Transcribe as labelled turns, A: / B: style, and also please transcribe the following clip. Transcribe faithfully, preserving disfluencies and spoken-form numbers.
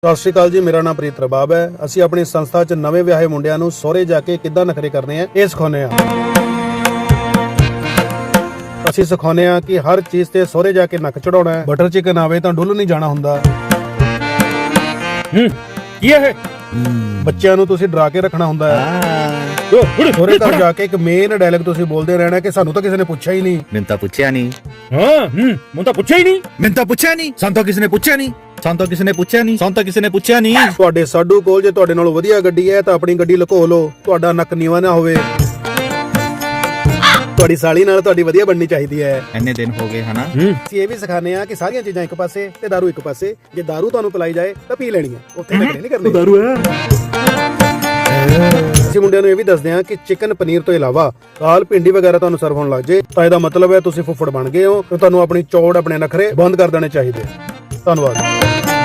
A: ਸਤਿ ਸ਼੍ਰੀ ਅਕਾਲ ਜੀ, ਮੇਰਾ ਨਾਮ ਪ੍ਰੀਤ ਰਬਾਬ ਹੈ। ਅਸੀਂ ਆਪਣੀ ਸੰਸਥਾ 'ਚ ਨਵੇਂ ਵਿਆਹੇ ਮੁੰਡਿਆਂ ਨੂੰ ਸਹੁਰੇ ਜਾ ਕੇ ਕਿੱਦਾਂ ਨਖਰੇ ਕਰਨੇ ਆ ਇਹ ਸਿਖਾਉਂਦੇ ਆ। ਅਸੀਂ ਸਿਖਾਉਂਦੇ ਆ ਕਿ ਹਰ ਚੀਜ਼ ਤੇ ਸਹੁਰੇ ਜਾ ਕੇ ਨੱਕ ਚੜਾਉਣਾ ਹੈ। ਬਟਰ ਚਿਕਨ ਆਵੇ ਤਾਂ ਡੁੱਲ ਨਹੀਂ ਜਾਣਾ ਹੁੰਦਾ।
B: ਹੂੰ ਕੀ ਹੈ?
A: ਬੱਚਿਆਂ ਨੂੰ ਤੁਸੀਂ ਡਰਾ ਕੇ ਰੱਖਣਾ ਹੁੰਦਾ ਹੈ। ਸਹੁਰੇ ਘਰ ਜਾ ਕੇ ਇੱਕ ਮੇਨ ਡਾਇਲੌਗ ਤੁਸੀਂ ਬੋਲਦੇ ਰਹਿਣਾ ਕਿ ਸਾਨੂੰ ਤਾਂ ਕਿਸੇ ਨੇ ਪੁੱਛਿਆ ਹੀ ਨਹੀਂ।
C: ਮੈਨੂੰ ਤਾਂ ਪੁੱਛਿਆ ਨਹੀਂ।
B: ਹਾਂ ਹੂੰ ਮੈਨੂੰ ਤਾਂ ਪੁੱਛਿਆ ਹੀ ਨਹੀਂ।
C: ਮੈਨੂੰ ਤਾਂ ਪੁੱਛਿਆ ਨਹੀਂ। ਸਾਨੂੰ ਤਾਂ ਕਿਸੇ ਨੇ ਪੁੱਛਿਆ ਨਹੀਂ। ਸਾਨੂੰ ਤਾਂ ਕਿਸੇ ਨੇ ਪੁੱਛਿਆ ਨਹੀਂ। ਸਾਨੂੰ ਤਾਂ ਕਿਸੇ ਨੇ ਪੁੱਛਿਆ ਨਹੀਂ।
A: ਤੁਹਾਡੇ ਸਾਡੂ ਕੋਲ ਜੇ ਤੁਹਾਡੇ ਨਾਲੋਂ ਵਧੀਆ ਗੱਡੀ ਹੈ ਤਾਂ ਆਪਣੀ ਗੱਡੀ ਲੁਕੋ ਲਓ, ਤੁਹਾਡਾ ਨੱਕ ਨੀਵਾਂ ਨਾ ਹੋਵੇ। ਤੁਹਾਡੀ ਸਾਲੀ ਨਾਲ ਤੁਹਾਡੀ ਵਧੀਆ ਬਣਨੀ ਚਾਹੀਦੀ ਹੈ।
C: ਇੰਨੇ ਦਿਨ ਹੋ ਗਏ ਹਨਾ।
A: ਅਸੀਂ ਇਹ ਵੀ ਸਿਖਾਉਂਦੇ ਆ ਕਿ ਸਾਰੀਆਂ ਚੀਜ਼ਾਂ ਇੱਕ ਪਾਸੇ ਤੇ ਦਾਰੂ ਇੱਕ ਪਾਸੇ। ਜੇ ਦਾਰੂ ਤੁਹਾਨੂੰ ਪਿਲਾਈ ਜਾਏ ਤਾਂ ਪੀ ਲੈਣੀ ਹੈ, ਉੱਥੇ ਨਖਰੇ ਨਹੀਂ ਕਰਨੇ। ਦਾਰੂ ਹੈ। ਅਸੀਂ ਮੁੰਡਿਆਂ ਨੂੰ ਇਹ ਵੀ ਦੱਸਦੇ ਆ ਕਿ ਚਿਕਨ ਪਨੀਰ ਤੋਂ ਇਲਾਵਾ ਦਾਲ ਭਿੰਡੀ ਵਗੈਰਾ ਤੁਹਾਨੂੰ ਸਰਵ ਹੋਣ ਲੱਗ ਜੇ ਤਾਂ ਇਹਦਾ ਮਤਲਬ ਹੈ ਤੁਸੀਂ ਫੁੱਫੜ ਬਣ ਗਏ ਹੋ ਤੇ ਤੁਹਾਨੂੰ ਆਪਣੀ ਚੌੜ ਆਪਣੇ ਨਖਰੇ ਬੰਦ ਕਰ ਦੇਣੇ ਚਾਹੀਦੇ। ਧੰਨਵਾਦ।